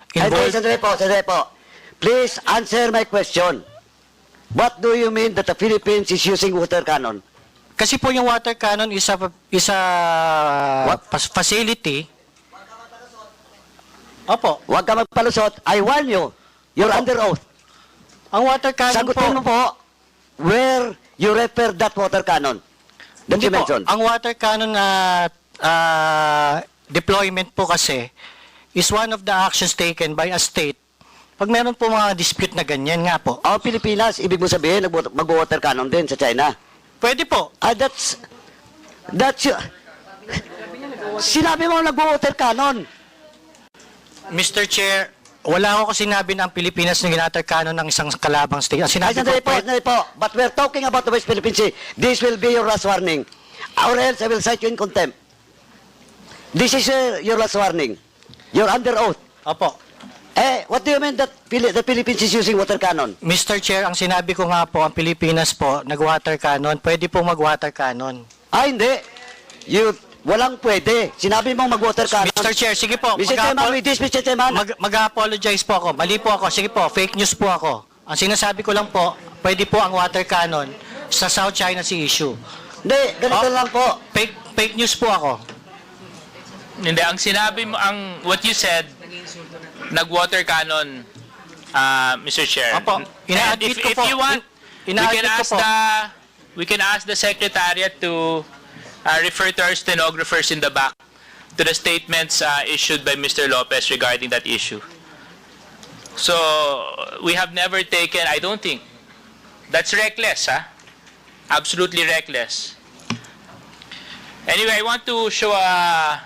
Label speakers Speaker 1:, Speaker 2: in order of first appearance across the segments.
Speaker 1: involved...
Speaker 2: Sandali po. Please answer my question. What do you mean that the Philippines is using water cannon?
Speaker 1: Kasi po yung water cannon is a facility. Opo.
Speaker 2: Huwag ka magpalusot. I warn you. You're
Speaker 1: Opo.
Speaker 2: under oath.
Speaker 1: Ang water cannon
Speaker 2: Sagutin mo po where you refer that water cannon. That
Speaker 1: Hindi
Speaker 2: you
Speaker 1: po.
Speaker 2: mentioned.
Speaker 1: Ang water cannon na deployment po kasi is one of the actions taken by a state pag meron po mga dispute na ganyan nga po.
Speaker 2: Ang Pilipinas, ibig mo sabihin, mag-water cannon din sa China.
Speaker 1: Pwede po.
Speaker 2: That's sinabi mo nag-water cannon.
Speaker 1: Mr. Chair, wala ako sinabi na ang Pilipinas na ginater cannon ng isang kalabang state. Ang sinabi
Speaker 2: Sandali po. But we're talking about the West Philippine Sea. This will be your last warning. Or else I will cite you in contempt. This is your last warning. You're under oath.
Speaker 1: Opo.
Speaker 2: What do you mean that the Philippines is using water cannon?
Speaker 1: Mr. Chair, ang sinabi ko nga po, ang Pilipinas po, nag-water cannon, pwede pong mag-water cannon.
Speaker 2: Hindi. Walang pwede. Sinabi mong mag-water cannon.
Speaker 1: Mr. Chair, sige po.
Speaker 2: Mr. Chairman, with this, Mr. Chairman.
Speaker 1: Mag-apologize po ako. Mali po ako. Sige po, fake news po ako. Ang sinasabi ko lang po, pwede po ang water cannon sa South China Sea issue.
Speaker 2: Hindi, ganito lang po.
Speaker 1: Fake news po ako.
Speaker 3: Hindi, ang sinabi mo, what you said, nag-water cannon, Mr. Chair.
Speaker 1: Opo. Ina-admit ko
Speaker 3: If
Speaker 1: po.
Speaker 3: you want,
Speaker 1: Ina-admit ko po.
Speaker 3: we can ask the Secretariat to refer to our stenographers in the back to the statements issued by Mr. Lopez regarding that issue. So, we have never taken, I don't think, that's reckless, absolutely reckless. Anyway, I want to show a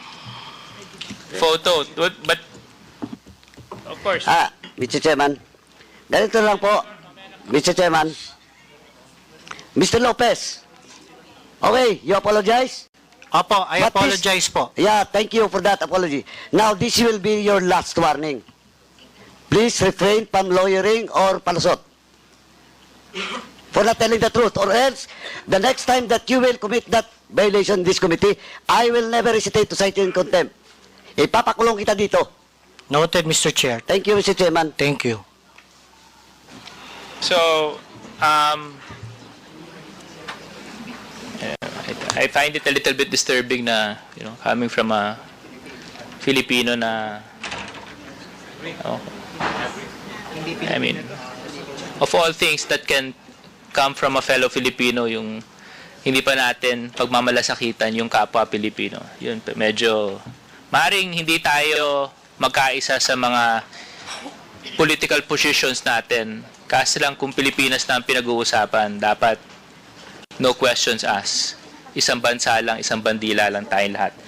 Speaker 3: photo, but of course.
Speaker 2: Mr. Chairman. Ganito lang po. Mr. Chairman. Mr. Lopez. Okay, you apologize?
Speaker 1: Opo, I
Speaker 2: But this-
Speaker 1: apologize po.
Speaker 2: Yeah, thank you for that apology. Now, this will be your last warning. Please refrain from lawyering or palusot. For not telling the truth. Or else, the next time that you will commit that violation in this committee, I will never hesitate to cite you in contempt. Ipapakulong kita dito.
Speaker 1: Noted, Mr. Chair.
Speaker 2: Thank you, Mr. Chairman.
Speaker 1: Thank you.
Speaker 3: So, I find it a little bit disturbing na, coming from a Filipino na, I mean, of all things that can come from a fellow Filipino, yung hindi pa natin pagmamalasakitan yung kapwa Pilipino. Yun, medyo, maring hindi tayo magkaisa sa mga political positions natin. Kasi lang kung Pilipinas na ang pinag-uusapan, dapat no questions asked. Isang bansa lang, isang bandila lang tayong lahat.